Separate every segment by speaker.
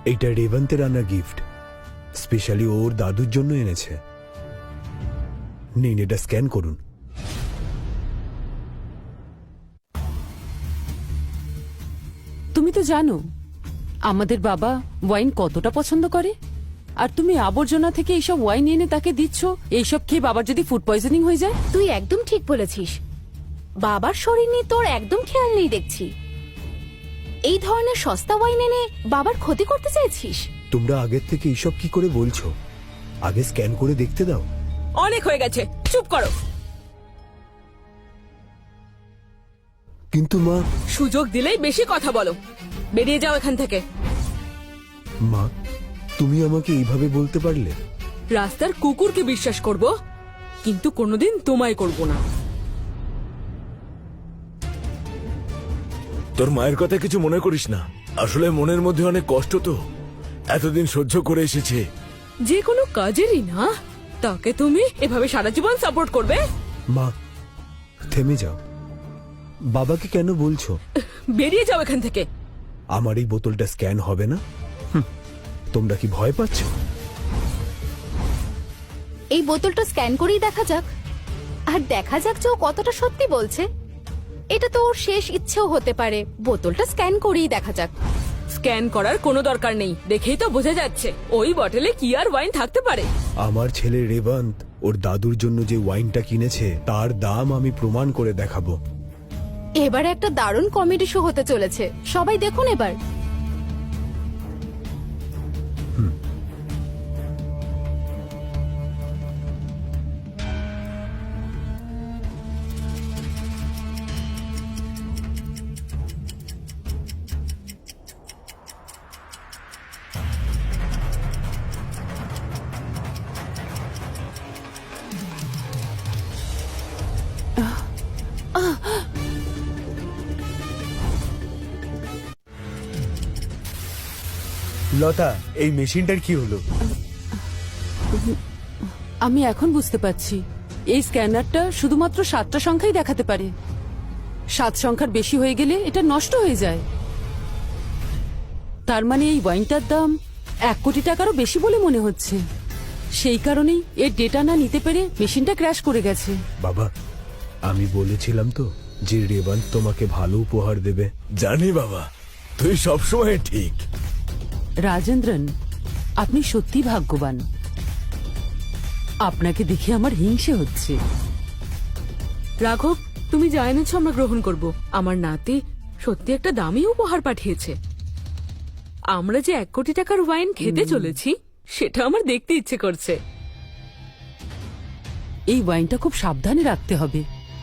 Speaker 1: এইটা রেবন্তের আনা gift, specially ওর দাদুর জন্য এনেছে। নিন, এটা স্ক্যান করুন।
Speaker 2: তুমি তো জানো আমাদের বাবা ওয়াইন কতটা পছন্দ করে, আর তুমি আবর্জনা থেকে এইসব ওয়াইন এনে তাকে দিচ্ছ। এইসব খেয়ে বাবার যদি ফুড পয়জনিং হয়ে যায়?
Speaker 3: তুই একদম ঠিক বলেছিস। বাবার শরীর নিয়ে তোর একদম খেয়াল নেই দেখছি। এই ধরনের সস্তা ওয়াইন এনে বাবার ক্ষতি করতে চাইছিস?
Speaker 1: তোমরা আগের থেকে এইসব কি করে বলছো? আগে স্ক্যান করে দেখতে দাও।
Speaker 2: অনেক হয়ে গেছে, চুপ করো।
Speaker 1: কিন্তু মা।
Speaker 2: সুযোগ দিলেই বেশি কথা বলো, বেরিয়ে যাও এখান থেকে।
Speaker 1: মা, তুমি আমাকে এইভাবে বলতে পারলে?
Speaker 2: রাস্তার কুকুরকে বিশ্বাস করব, কিন্তু কোনোদিন তোমায় করব না।
Speaker 4: তোর মায়ের কথা কিছু মনে করিস না, আসলে মনের মধ্যে অনেক কষ্ট, তো এতদিন সহ্য করে এসেছে।
Speaker 2: যে কোনো কাজেরই না, তাকে তুমি এভাবে সারা জীবন সাপোর্ট করবে?
Speaker 1: মা, থেমে যাও। বাবাকে কেন বলছো?
Speaker 2: বেরিয়ে যাও এখান থেকে।
Speaker 1: আমার এই বোতলটা স্ক্যান হবে না? তোমরা কি ভয় পাচ্ছ?
Speaker 3: এই বোতলটা স্ক্যান করেই দেখা যাক, আর দেখা যাক যে ও কতটা সত্যি বলছে। এটা তো ওর শেষ ইচ্ছেও হতে পারে। বোতলটা স্ক্যান করেই দেখা যাক।
Speaker 2: স্ক্যান করার কোনো দরকার নেই, দেখেই তো বোঝা যাচ্ছে ওই বটলে কি আর ওয়াইন থাকতে পারে।
Speaker 1: আমার ছেলে রেবন্ত ওর দাদুর জন্য যে ওয়াইনটা কিনেছে তার দাম আমি প্রমাণ করে দেখাবো।
Speaker 3: এবার একটা দারুণ কমেডি শো হতে চলেছে, সবাই দেখুন এবার।
Speaker 1: লতা, এই মেশিনটার কি হলো?
Speaker 2: আমি এখন বুঝতে পারছি, এই স্ক্যানারটা শুধুমাত্র 7টা সংখ্যাই দেখাতে পারে। 7 সংখ্যার বেশি হয়ে গেলে এটা নষ্ট হয়ে যায়। তার মানে এই ওয়াইনটার দাম 1 কোটি টাকারও বেশি বলে মনে হচ্ছে। সেই কারণেই এর ডেটা না নিতে পেরে মেশিনটা ক্র্যাশ করে গেছে।
Speaker 1: বাবা, আমি বলেছিলাম তো যে রেবন্ত তোমাকে ভালো উপহার দেবে।
Speaker 4: জানি বাবা, তুই সবসময় ঠিক।
Speaker 2: রাজেন্দ্রন, আপনি সত্যি ভাগ্যবান। আপনাকে দেখে আমার হিংসে হচ্ছে। রাঘব, তুমি যা এনেছো আমরা গ্রহণ করব। আমার নাতি সত্যি একটা দামি উপহার পাঠিয়েছে। আমরা যে 1 কোটি টাকার ওয়াইন খেতে চলেছি সেটা আমার দেখতে ইচ্ছে করছে। এই ওয়াইনটা খুব সাবধানে রাখতে হবে।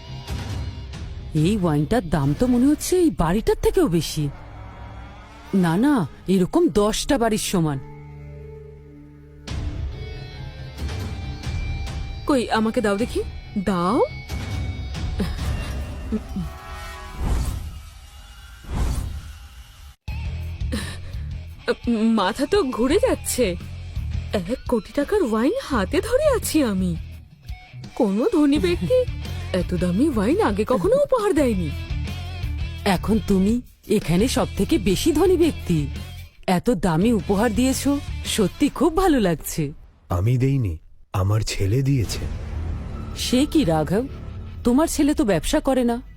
Speaker 2: এই ওয়াইনটার দাম তো মনে হচ্ছে এই বাড়িটার থেকেও বেশি। না না, এরকম 10টা বাড়ির সমান। কই, আমাকে দাও দেখি, দাও। মাথা তো ঘুরে যাচ্ছে। 1 কোটি টাকার ওয়াইন হাতে ধরে আছি আমি। কোনো ধনী ব্যক্তি এত দামি ওয়াইন আগে কখনো উপহার দেয়নি। এখন তুমি এখানে সব থেকে বেশি ধনী ব্যক্তি। এত দামি উপহার দিয়েছো, সত্যি খুব ভালো লাগছে।
Speaker 1: আমি দেইনি, আমার ছেলে দিয়েছে।
Speaker 2: সে কি রাঘব, তোমার ছেলে তো ব্যবসা করে না,